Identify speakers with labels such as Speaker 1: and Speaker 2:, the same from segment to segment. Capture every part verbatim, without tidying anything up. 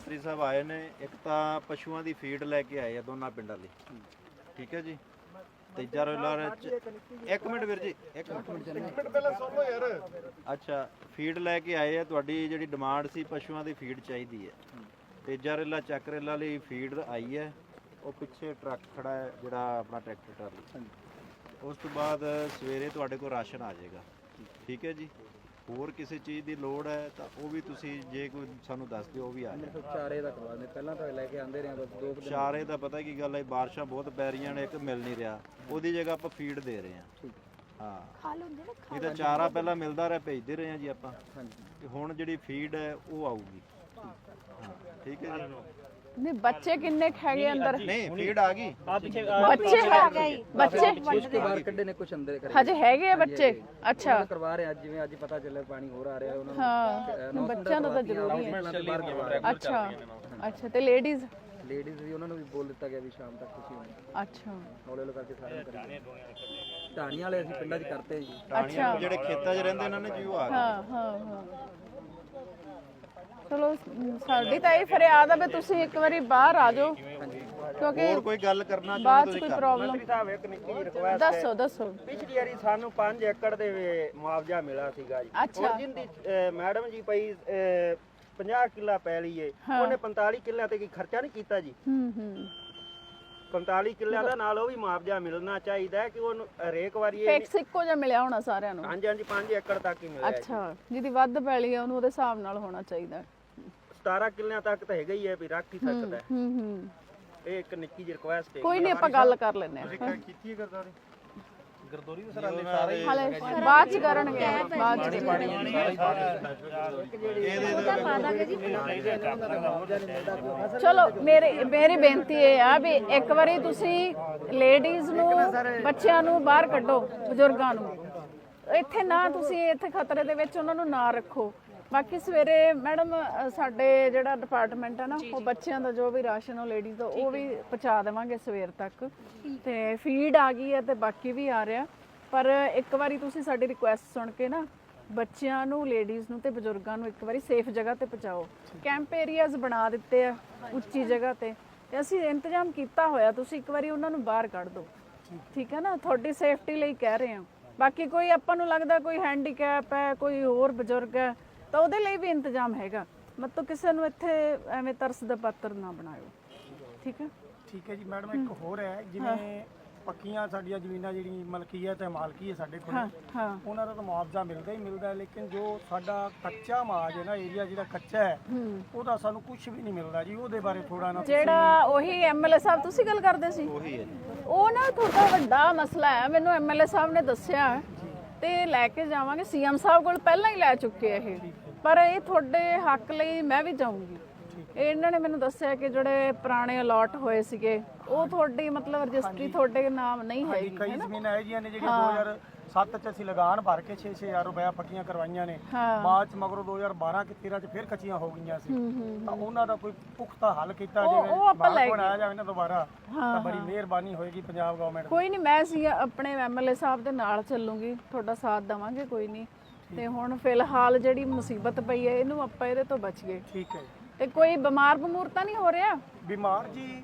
Speaker 1: ਮੰਤਰੀ ਸਾਹਿਬ ਆਏ ਨੇ। ਇੱਕ ਤਾਂ ਪਸ਼ੂਆਂ ਦੀ ਫੀਡ ਲੈ ਕੇ ਆਏ ਆ ਦੋਨਾਂ ਪਿੰਡਾਂ ਲਈ, ਠੀਕ ਹੈ ਜੀ। ਤੀਜਾ ਰੋਲਾ ਇੱਕ ਮਿੰਟ ਵੀਰ ਜੀ, ਇੱਕ ਮਿੰਟ ਇੱਕ ਮਿੰਟ ਪਹਿਲਾਂ ਸੁਣ ਲਓ ਯਾਰ। ਅੱਛਾ, ਫੀਡ ਲੈ ਕੇ ਆਏ ਆ। ਤੁਹਾਡੀ ਜਿਹੜੀ ਡਿਮਾਂਡ ਸੀ ਪਸ਼ੂਆਂ ਦੀ ਫੀਡ ਚਾਹੀਦੀ ਹੈ। ਤੀਜਾ ਰੇਲਾ ਚੱਕ ਰੇਲਾ ਲਈ ਫੀਡ ਆਈ ਹੈ। ਉਹ ਪਿੱਛੇ ਟਰੱਕ ਖੜਾ ਹੈ ਜਿਹੜਾ ਆਪਣਾ ਟਰੈਕਟਰ ਟਰਾਲੀ। ਉਸ ਤੋਂ ਬਾਅਦ ਸਵੇਰੇ ਤੁਹਾਡੇ ਕੋਲ ਰਾਸ਼ਨ ਆ ਜਾਏਗਾ, ਠੀਕ ਹੈ ਜੀ। ਹੋਰ ਕਿਸੇ ਚੀਜ਼ ਦੀ ਲੋੜ ਹੈ ਤਾਂ ਉਹ ਵੀ ਤੁਸੀਂ ਜੇ ਕੋਈ ਸਾਨੂੰ ਦੱਸ ਦਿਓ, ਉਹ ਵੀ ਆ ਜਾਏ।
Speaker 2: ਚਾਰੇ ਦਾ ਕਰਵਾ ਦੇ, ਪਹਿਲਾਂ ਤਾਂ ਲੈ ਕੇ ਆਂਦੇ ਰਹੇ ਬਸ ਦੋ ਦਿਨ।
Speaker 1: ਚਾਰੇ ਦਾ ਪਤਾ ਕੀ ਗੱਲ ਹੈ, ਬਾਰਿਸ਼ਾਂ ਬਹੁਤ ਪੈ ਰਹੀਆਂ ਨੇ, ਇੱਕ ਮਿਲ ਨਹੀਂ ਰਿਹਾ। ਉਹਦੀ ਜਗ੍ਹਾ ਆਪਾਂ ਫੀਡ ਦੇ ਰਹੇ ਹਾਂ। ਹਾਂ, ਇਹ ਤਾਂ ਚਾਰਾ ਪਹਿਲਾਂ ਮਿਲਦਾ ਰਿਹਾ, ਭੇਜਦੇ ਰਹੇ ਹਾਂ ਜੀ ਆਪਾਂ। ਤੇ ਹੁਣ ਜਿਹੜੀ ਫੀਡ ਹੈ ਉਹ ਆਊਗੀ। ਹਾਂ, ਠੀਕ ਹੈ ਜੀ।
Speaker 3: ਨਹੀਂ ਬੱਚੇ ਕਿੰਨੇ ਹੈਗੇ ਅੰਦਰ?
Speaker 1: ਨਹੀਂ ਫੀਡ ਆ ਗਈ।
Speaker 3: ਬੱਚੇ ਹੈ ਬੱਚੇ
Speaker 2: ਕੁਝ ਤੋਂ ਬਾਹਰ ਕੱਢੇ ਨੇ, ਕੁਝ ਅੰਦਰ ਕਰੇ
Speaker 3: ਹਜੇ ਹੈਗੇ ਆ ਬੱਚੇ। ਅੱਛਾ,
Speaker 2: ਕਰਵਾ ਰਹੇ ਅੱਜ, ਜਿਵੇਂ ਅੱਜ ਪਤਾ ਚੱਲਿਆ ਪਾਣੀ ਹੋਰ ਆ ਰਿਹਾ ਉਹਨਾਂ ਨੂੰ।
Speaker 3: ਹਾਂ, ਬੱਚਿਆਂ ਦਾ ਤਾਂ ਜ਼ਰੂਰੀ ਹੈ। ਅੱਛਾ ਅੱਛਾ, ਤੇ ਲੇਡੀਜ਼
Speaker 2: ਲੇਡੀਜ਼ ਵੀ ਉਹਨਾਂ ਨੂੰ ਵੀ ਬੋਲ ਦਿੱਤਾ ਗਿਆ ਵੀ ਸ਼ਾਮ ਤੱਕ ਤੁਸੀਂ ਆਉਣਾ।
Speaker 3: ਅੱਛਾ,
Speaker 2: ਹੌਲੇ ਹੌਲੇ ਕਰਕੇ ਸਾਰਿਆਂ ਨੂੰ ਕਰੀਏ। ਢਾਣੀਆਂ ਵਾਲੇ ਅਸੀਂ ਪਿੰਡਾਂ 'ਚ ਕਰਤੇ ਜੀ।
Speaker 3: ਅੱਛਾ,
Speaker 1: ਜਿਹੜੇ ਖੇਤਾਂ 'ਚ ਰਹਿੰਦੇ ਇਹਨਾਂ ਨੇ ਜੀ ਉਹ ਆ ਗਏ।
Speaker 3: ਹਾਂ ਹਾਂ ਹਾਂ, ਚਲੋ ਸਾਡੀ ਤਾਂ ਇਹ ਫਰਿਆਦ ਆ ਵੀ ਤੁਸੀਂ ਇੱਕ ਵਾਰੀ ਬਾਹਰ ਆ ਜਾਓ, ਕਿਉਂਕਿ
Speaker 1: ਹੋਰ ਕੋਈ ਗੱਲ ਕਰਨਾ
Speaker 3: ਬਾਅਦ 'ਚ ਕੋਈ ਪ੍ਰੋਬਲਮ।
Speaker 4: ਸਾਹਿਬ ਇੱਕ ਨਿੱਕੀ ਜਿਹੀ ਰਿਕੁਐਸਟ
Speaker 3: ਦੱਸੋ ਦੱਸੋ।
Speaker 4: ਪਿਛਲੀ ਵਾਰੀ ਸਾਨੂੰ ਪੰਜ ਏਕੜ ਦੇ ਮੁਆਵਜ਼ਾ ਮਿਲਿਆ ਸੀਗਾ ਜੀ।
Speaker 3: ਅੱਛਾ,
Speaker 4: ਜਿੰਦੀ ਮੈਡਮ ਜੀ ਪਈ ਪੰਜਾਹ ਕਿੱਲਾ ਪੈ ਲਈਏ, ਉਹਨੇ ਪੰਤਾਲੀ ਕਿੱਲਿਆਂ ਤੇ ਕੀ ਖਰਚਾ ਨਹੀਂ ਕੀਤਾ ਜੀ।
Speaker 3: ਹੂੰ ਹੂੰ,
Speaker 4: ਪੰਤਾਲੀ ਕਿੱਲਿਆਂ ਦਾ ਨਾਲ ਉਹ ਵੀ ਮੁਆਵਜ਼ਾ ਮਿਲਣਾ ਚਾਹੀਦਾ ਕਿ ਉਹਨੂੰ ਹਰੇਕ ਵਾਰੀ।
Speaker 3: ਫਿਕਸ ਇੱਕੋ ਜਿਹਾ ਮਿਲਿਆ ਹੋਣਾ ਸਾਰਿਆਂ ਨੂੰ।
Speaker 4: ਹਾਂਜੀ ਹਾਂਜੀ, ਪੰਜ ਏਕੜ ਤੱਕ ਹੀ ਮਿਲਿਆ।
Speaker 3: ਅੱਛਾ, ਜਿਹਦੀ ਵੱਧ ਪੈਲੀ ਆ ਉਹਨੂੰ ਉਹਦੇ ਹਿਸਾਬ ਨਾਲ ਹੋਣਾ ਚਾਹੀਦਾ।
Speaker 4: ਸਤਾਰਾਂ ਕਿੱਲਿਆਂ ਤੱਕ ਤਾਂ ਹੈਗਾ ਹੀ ਹੈ ਵੀ ਰੱਖ ਹੀ ਸਕਦਾ।
Speaker 3: ਹੂੰ ਹੂੰ,
Speaker 4: ਇਹ ਇੱਕ ਨਿੱਕੀ ਜਿਹੀ ਰਿਕੁਐਸਟ ਹੈ।
Speaker 3: ਕੋਈ ਨਹੀਂ, ਆਪਾਂ ਗੱਲ ਕਰ ਲੈਂਦੇ ਆ।
Speaker 1: ਕੀਤੀ ਗਰਦਾਰੀ
Speaker 4: ਗਰਦੋਰੀ ਦੇ ਸਰਾਲੇ ਸਾਰੇ
Speaker 3: ਹਾਲੇ ਬਾਅਦ ਚ ਕਰਨਗੇ, ਬਾਅਦ ਚ ਚਲੋ। ਮੇਰੀ ਮੇਰੀ ਬੇਨਤੀ ਇਹ ਆ ਵੀ ਇੱਕ ਵਾਰੀ ਤੁਸੀਂ ਲੇਡੀਜ਼ ਨੂੰ, ਬੱਚਿਆਂ ਨੂੰ ਬਾਹਰ ਕੱਢੋ, ਬਜ਼ੁਰਗਾਂ ਨੂੰ ਇੱਥੇ ਨਾ, ਤੁਸੀਂ ਇੱਥੇ ਖਤਰੇ ਦੇ ਵਿੱਚ ਉਹਨਾਂ ਨੂੰ ਨਾ ਰੱਖੋ। ਬਾਕੀ ਸਵੇਰੇ ਮੈਡਮ ਸਾਡੇ ਜਿਹੜਾ ਡਿਪਾਰਟਮੈਂਟ ਹੈ ਨਾ, ਉਹ ਬੱਚਿਆਂ ਦਾ ਜੋ ਵੀ ਰਾਸ਼ਨ ਉਹ ਲੇਡੀਜ਼ ਦਾ ਉਹ ਵੀ ਪਹੁੰਚਾ ਦੇਵਾਂਗੇ ਸਵੇਰ ਤੱਕ। ਤੇ ਫੀਡ ਆ ਗਈ ਹੈ ਤੇ ਬਾਕੀ ਵੀ ਆ ਰਿਹਾ। ਪਰ ਇੱਕ ਵਾਰੀ ਤੁਸੀਂ ਸਾਡੀ ਰਿਕੁਐਸਟ ਸੁਣ ਕੇ ਨਾ ਬੱਚਿਆਂ ਨੂੰ, ਲੇਡੀਜ਼ ਨੂੰ ਤੇ ਬਜ਼ੁਰਗਾਂ ਨੂੰ ਇੱਕ ਵਾਰੀ ਸੇਫ ਜਗ੍ਹਾ ਤੇ ਪਹੁੰਚਾਓ। ਕੈਂਪ ਏਰੀਆਜ਼ ਬਣਾ ਦਿੱਤੇ ਆ ਉੱਚੀ ਜਗ੍ਹਾ ਤੇ, ਤੇ ਅਸੀਂ ਇੰਤਜ਼ਾਮ ਕੀਤਾ ਹੋਇਆ। ਤੁਸੀਂ ਇੱਕ ਵਾਰੀ ਉਹਨਾਂ ਨੂੰ ਬਾਹਰ ਕੱਢ ਦਿਓ, ਠੀਕ ਹੈ ਨਾ, ਤੁਹਾਡੀ ਸੇਫਟੀ ਲਈ ਕਹਿ ਰਹੇ ਹਾਂ। ਬਾਕੀ ਕੋਈ ਆਪਾਂ ਨੂੰ ਲੱਗਦਾ ਕੋਈ ਹੈਂਡੀਕੈਪ ਹੈ, ਕੋਈ ਹੋਰ ਬਜ਼ੁਰਗ ਹੈ, ਤਾਂ ਉਹਦੇ ਲਈ ਵੀ ਇੰਤਜ਼ਾਮ ਹੈਗਾ। ਮਤਲਬ ਕਿਸੇ ਨੂੰ ਇੱਥੇ ਐਵੇਂ ਤਰਸ ਦਾ ਪਾਤਰ ਨਾ ਬਣਾਇਓ, ਠੀਕ ਹੈ।
Speaker 5: ਠੀਕ ਹੈ ਜੀ ਮੈਡਮ, ਇੱਕ ਹੋਰ ਹੈ, ਜਿਵੇਂ ਪੱਕੀਆਂ ਸਾਡੀਆਂ ਜ਼ਮੀਨਾਂ ਜਿਹੜੀ ਮਲਕੀਅਤ ਹੈ, ਮਾਲਕੀ ਹੈ ਸਾਡੇ ਕੋਲ, ਉਹਨਾਂ ਦਾ ਤਾਂ ਮੁਆਵਜ਼ਾ ਮਿਲਦਾ ਹੀ ਮਿਲਦਾ, ਲੇਕਿਨ ਜੋ ਸਾਡਾ ਕੱਚਾ ਮਾਜ ਹੈ ਨਾ, ਏਰੀਆ ਜਿਹੜਾ ਕੱਚਾ ਹੈ, ਉਹਦਾ ਸਾਨੂੰ ਕੁਝ ਵੀ ਨਹੀਂ ਮਿਲਦਾ ਜੀ। ਉਹਦੇ ਬਾਰੇ ਥੋੜਾ ਨਾ,
Speaker 3: ਜਿਹੜਾ ਉਹੀ ਐਮਐਲਏ ਸਾਹਿਬ ਤੁਸੀਂ ਗੱਲ ਕਰਦੇ ਸੀ,
Speaker 1: ਉਹੀ ਹੈ
Speaker 3: ਉਹ ਨਾ ਤੁਹਾਡਾ ਵੱਡਾ ਮਸਲਾ ਹੈ, ਮੈਨੂੰ ਐਮਐਲਏ ਸਾਹਿਬ ਨੇ ਦੱਸਿਆ, ਤੇ ਲੈ ਕੇ ਜਾਵਾਂਗੇ। ਸੀਐਮ ਸਾਹਿਬ ਕੋਲ ਪਹਿਲਾਂ ਹੀ ਲੈ ਚੁੱਕੇ ਇਹ, ਪਰ ਇਹ ਤੁਹਾਡੇ ਹੱਕ ਲਈ ਮੈਂ ਵੀ ਜਾਊਂਗੀ। ਇਹਨਾਂ ਨੇ ਮੈਨੂੰ ਦੱਸਿਆ ਕਿ ਜਿਹੜੇ ਪੁਰਾਣੇ ਅਲਾਟ ਹੋਏ ਸੀਗੇ ਉਹ ਤੁਹਾਡੀ ਮਤਲਬ ਰਜਿਸਟਰੀ ਤੁਹਾਡੇ ਨਾਮ ਨਹੀਂ ਹੈਗੀ।
Speaker 5: ਕਈ ਜ਼ਮੀਨਾਂ ਇਹ ਜੀਆਂ ਨੇ ਜਿਹੜੀਆਂ ਦੋ ਹਜ਼ਾਰ ਸੱਤ ਚ ਅਸੀਂ ਲਗਾਨ ਭਰ ਕੇ ਛੇ ਛੇ ਹਜ਼ਾਰ ਰੁਪਇਆ ਪੱਕੀਆਂ ਕਰਵਾਈਆਂ ਨੇ, ਬਾਅਦ ਚ ਮਗਰੋਂ ਦੋ ਹਜ਼ਾਰ ਬਾਰਾਂ ਕਿ ਤੇਰਾਂ ਚ ਫਿਰ ਕੱਚੀਆਂ ਹੋ ਗਈਆਂ ਸੀ। ਤਾਂ ਉਹਨਾਂ ਦਾ ਕੋਈ ਪੁਖਤਾ ਹੱਲ ਕੀਤਾ ਜਾਵੇ, ਬਣਾਇਆ ਜਾਵੇ ਨਾ ਦੁਬਾਰਾ, ਤਾਂ ਬੜੀ ਮਿਹਰਬਾਨੀ ਹੋਏਗੀ ਪੰਜਾਬ ਗਵਰਨਮੈਂਟ।
Speaker 3: ਕੋਈ ਨਹੀਂ, ਮੈਂ ਸੀ ਆਪਣੇ ਐਮਐਲਏ ਸਾਹਿਬ ਦੇ ਨਾਲ ਚੱਲੂਗੀ, ਤੁਹਾਡਾ ਸਾਥ ਦੇਵਾਂਗੇ, ਕੋਈ ਨਹੀਂ। ਤੇ ਹੁਣ ਫਿਲਹਾਲ ਜਿਹੜੀ ਮੁਸੀਬਤ ਪਈ ਹੈ ਇਹਨੂੰ ਆਪਾਂ ਇਹਦੇ ਤੋਂ ਬਚ ਗਏ,
Speaker 5: ਠੀਕ ਹੈ।
Speaker 3: ਤੇ ਕੋਈ ਬਿਮਾਰ ਬਮੂਰ ਤਾਂ ਨਹੀਂ ਹੋ ਰਿਹਾ?
Speaker 5: ਬਿਮਾਰ ਜੀ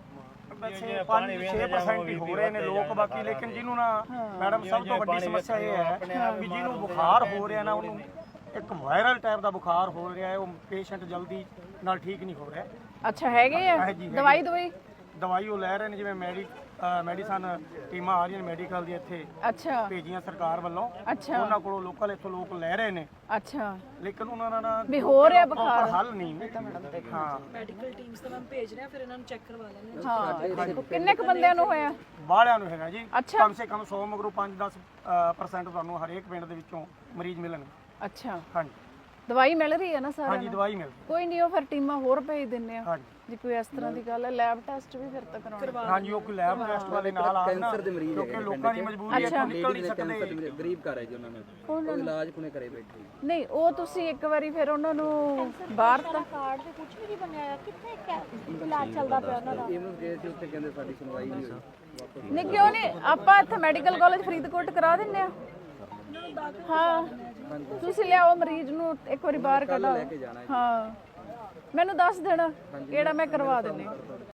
Speaker 5: ਵੈਸੇ ਪੰਜ ਛੇ ਪਰਸੈਂਟ ਹੀ ਹੋ ਰਹੇ ਨੇ ਲੋਕ, ਬਾਕੀ ਲੇਕਿਨ ਜਿਹਨੂੰ ਨਾ ਮੈਡਮ ਸਭ ਤੋਂ ਵੱਡੀ ਸਮੱਸਿਆ ਇਹ ਹੈ ਵੀ ਜਿਹਨੂੰ ਬੁਖਾਰ ਹੋ ਰਿਹਾ ਨਾ, ਉਹਨੂੰ ਇੱਕ ਵਾਇਰਲ ਟਾਈਪ ਦਾ ਬੁਖਾਰ ਹੋ ਰਿਹਾ ਹੈ, ਉਹ ਪੇਸ਼ੈਂਟ ਜਲਦੀ ਨਾਲ ਠੀਕ ਨਹੀਂ ਹੋ ਰਿਹਾ।
Speaker 3: ਅੱਛਾ, ਹੈਗੇ ਆ ਦਵਾਈ ਦਵਾਈ
Speaker 5: ਦਵਾਈ ਉਹ ਲੈ ਰਹੇ ਨੇ, ਜਿਵੇਂ ਮੈਡੀ ਮੈਡੀਸਨ ਟੀਮਾਂ ਆ ਰਹੀਆਂ ਨੇ ਮੈਡੀਕਲ ਦੀ ਇੱਥੇ,
Speaker 3: ਅੱਛਾ,
Speaker 5: ਭੇਜੀਆਂ ਸਰਕਾਰ ਵੱਲੋਂ,
Speaker 3: ਅੱਛਾ,
Speaker 5: ਉਹਨਾਂ ਕੋਲੋਂ ਲੋਕਲ ਇੱਥੋਂ ਲੋਕ ਲੈ ਰਹੇ ਨੇ।
Speaker 3: ਅੱਛਾ,
Speaker 5: ਲੇਕਿਨ ਉਹਨਾਂ ਦਾ
Speaker 3: ਵੀ ਹੋ ਰਿਹਾ ਬੁਖਾਰ
Speaker 5: ਹੱਲ ਨਹੀਂ। ਹਾਂ,
Speaker 6: ਮੈਡੀਕਲ ਟੀਮਸ ਤਾਂ ਮੈਂ ਭੇਜ ਰਿਹਾ, ਫਿਰ ਇਹਨਾਂ ਨੂੰ ਚੈੱਕ ਕਰਵਾ ਲੈਣੇ।
Speaker 3: ਹਾਂ, ਕਿੰਨੇ ਕੁ ਬੰਦਿਆਂ ਨੂੰ ਹੋਇਆ?
Speaker 5: ਬਾਹਲਿਆਂ ਨੂੰ ਹੈਗਾ ਜੀ,
Speaker 3: ਅੱਛਾ,
Speaker 5: ਕਮ ਸੇ ਕਮ ਸੌ ਮਗਰੋਂ ਪੰਜ ਦਸ ਪਰਸੈਂਟ ਤੁਹਾਨੂੰ ਹਰੇਕ ਪਿੰਡ ਦੇ ਵਿੱਚੋਂ ਮਰੀਜ਼ ਮਿਲਣਗੇ।
Speaker 3: ਅੱਛਾ,
Speaker 5: ਹਾਂਜੀ,
Speaker 3: ਦਵਾਈ ਮਿਲ ਰਹੀ ਹੈ ਨਾ ਸਾਰਿਆਂ ਨੂੰ?
Speaker 5: ਹਾਂਜੀ, ਦਵਾਈ ਮਿਲਦੀ।
Speaker 3: ਕੋਈ ਨਹੀਂ, ਉਹ ਫਿਰ ਟੀਮਾਂ ਹੋਰ ਭੇਜ ਦਿੰਨੇ ਆ
Speaker 5: ਹਾਂਜੀ,
Speaker 3: ਜੇ ਕੋਈ ਇਸ ਤਰ੍ਹਾਂ ਦੀ ਗੱਲ ਹੈ। ਲੈਬ ਟੈਸਟ ਵੀ ਫਿਰ ਤੱਕ ਕਰਾਉਣਾ।
Speaker 5: ਹਾਂਜੀ, ਉਹ ਕੋਈ ਲੈਬ ਟੈਸਟ ਵਾਲੇ ਨਾਲ ਆ ਨਾ,
Speaker 2: ਕੈਂਸਰ ਦੇ ਮਰੀਜ਼
Speaker 5: ਕਿਉਂਕਿ ਲੋਕਾਂ ਦੀ ਮਜਬੂਰੀ ਹੈ, ਨਿਕਲ ਨਹੀਂ ਸਕਦੇ।
Speaker 2: ਗਰੀਬ ਘਰ ਹੈ ਜੀ, ਉਹਨਾਂ ਨੇ ਉਹ ਇਲਾਜ ਕੋਨੇ ਕਰੇ ਬੈਠੇ।
Speaker 3: ਨਹੀਂ, ਉਹ ਤੁਸੀਂ ਇੱਕ ਵਾਰੀ ਫਿਰ ਉਹਨਾਂ ਨੂੰ ਬਾਹਰ ਤਾਂ
Speaker 7: ਕਾਰਡ ਤੇ ਕੁਝ ਵੀ ਨਹੀਂ ਬਣਿਆ, ਕਿੱਥੇ ਇਲਾਜ ਚੱਲਦਾ ਪਿਆ ਉਹਨਾਂ ਦਾ।
Speaker 2: ਇਹਨੂੰ ਗਏ ਸੀ ਉੱਥੇ, ਕਹਿੰਦੇ ਸਾਡੀ ਸੁਣਵਾਈ ਨਹੀਂ ਹੋਈ।
Speaker 3: ਨਹੀਂ, ਕਿਉਂ ਨਹੀਂ, ਆਪਾਂ ਇੱਥੇ ਮੈਡੀਕਲ ਕਾਲਜ ਫਰੀਦਕੋਟ ਕਰਾ ਦਿੰਨੇ ਆ। ਹਾਂ, ਤੁਸੀਂ ਲਿਆਓ ਮਰੀਜ਼ ਨੂੰ ਇੱਕ ਵਾਰੀ ਬਾਹਰ ਕੱਢੋ। ਹਾਂ, ਮੈਨੂੰ ਦੱਸ ਦੇਣਾ ਕਿਹੜਾ ਮੈਂ ਕਰਵਾ ਦਿੰਦੀ